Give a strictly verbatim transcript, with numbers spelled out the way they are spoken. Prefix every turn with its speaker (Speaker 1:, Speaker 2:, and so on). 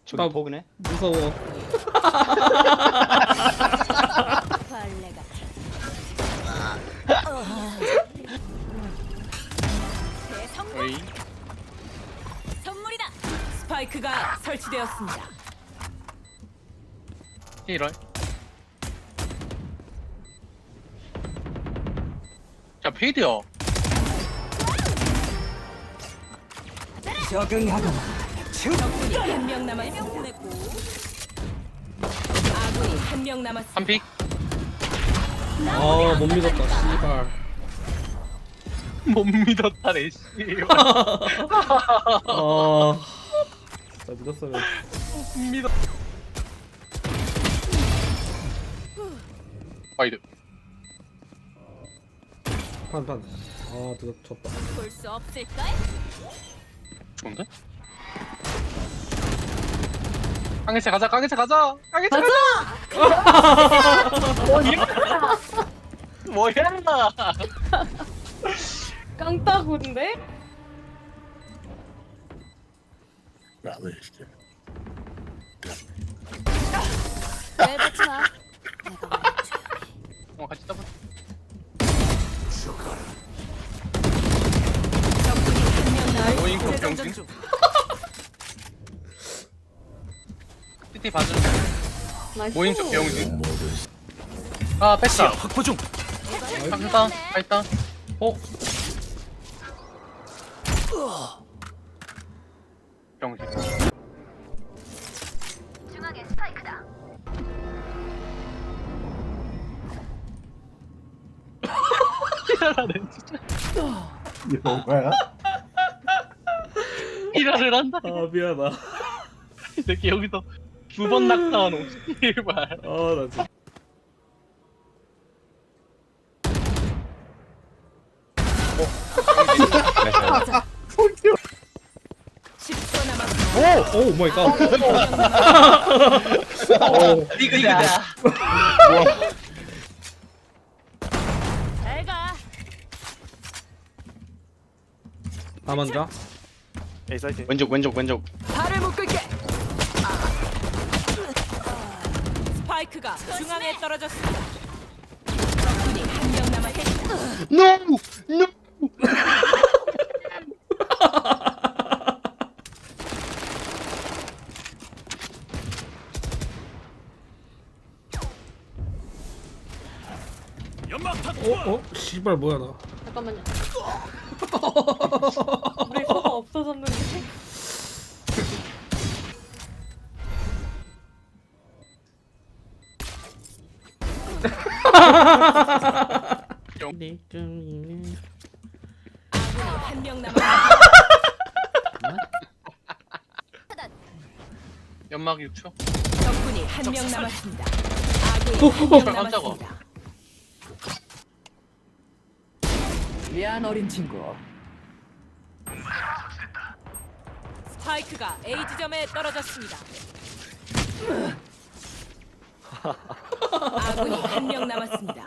Speaker 1: 저기
Speaker 2: 나-
Speaker 1: 버그네.
Speaker 2: 무서워.
Speaker 3: 벌레가 대성공
Speaker 1: 어이.
Speaker 3: 선물이다.
Speaker 4: 스파이크가 설치되었습니다.
Speaker 1: 이럴. 자 페이드요.
Speaker 4: 적군이 한 명 남았습니다. 아군이 한 명 남았습니다.
Speaker 1: 한 픽.
Speaker 2: 아, 못 믿었다. 씨발.
Speaker 1: 못 믿었다네 씨.
Speaker 2: 아. 나 믿었으면.
Speaker 1: 믿어. 와이드.
Speaker 2: 판, 판. 아, 늦었, 졌다.
Speaker 3: 볼 수 없을까?
Speaker 1: 좋은데? 강해체 가자, 강해체 가자, 강해체 가자. 뭐야? 뭐야?
Speaker 5: 깡따구인데?
Speaker 3: 왜 받지 마. 내가 말해줘.
Speaker 1: 어 같이 따보. 오인코 병신. 티티 봐주는.
Speaker 5: 나이스.
Speaker 1: 오인코 병신. 아 뺐다.
Speaker 6: 확보 중.
Speaker 1: 갔다. 갔다.
Speaker 2: 어?
Speaker 1: 병신.
Speaker 3: 중앙에 스파이크다.
Speaker 1: 일하라네 진짜.
Speaker 7: 이거 뭐야?
Speaker 1: 일하를 한다.
Speaker 2: 아, 미안하다.
Speaker 1: 이 새끼 여기서 두 번 낙타한 오십일 발.
Speaker 2: 아, 나 진짜.
Speaker 4: 십 초 남았습니다.
Speaker 2: 오, 오 마이 갓.
Speaker 1: 리그다.
Speaker 3: 잘 가.
Speaker 2: 다 먼저.
Speaker 6: A 사이트.
Speaker 1: 왼쪽 왼쪽 왼쪽.
Speaker 4: 발을 묶을게. 스파이크가 중앙에 떨어졌습니다. 적군이 한 명 남았습니다.
Speaker 1: No! No!
Speaker 6: 연막탄.
Speaker 2: 어, 어? 씨발, 뭐야, 나.
Speaker 5: 잠깐만요. 우리 소가 없어졌는데?
Speaker 4: 아군이 한 명 남았습니다.
Speaker 1: 연막 육 초.
Speaker 4: 적군이 한 명 남았습니다. 아군이 한 명
Speaker 1: 깜짝아.
Speaker 4: 남았습니다. 미안 어린 친구. 스파이크가 A 지점에 떨어졌습니다. 아군이 한 명 남았습니다.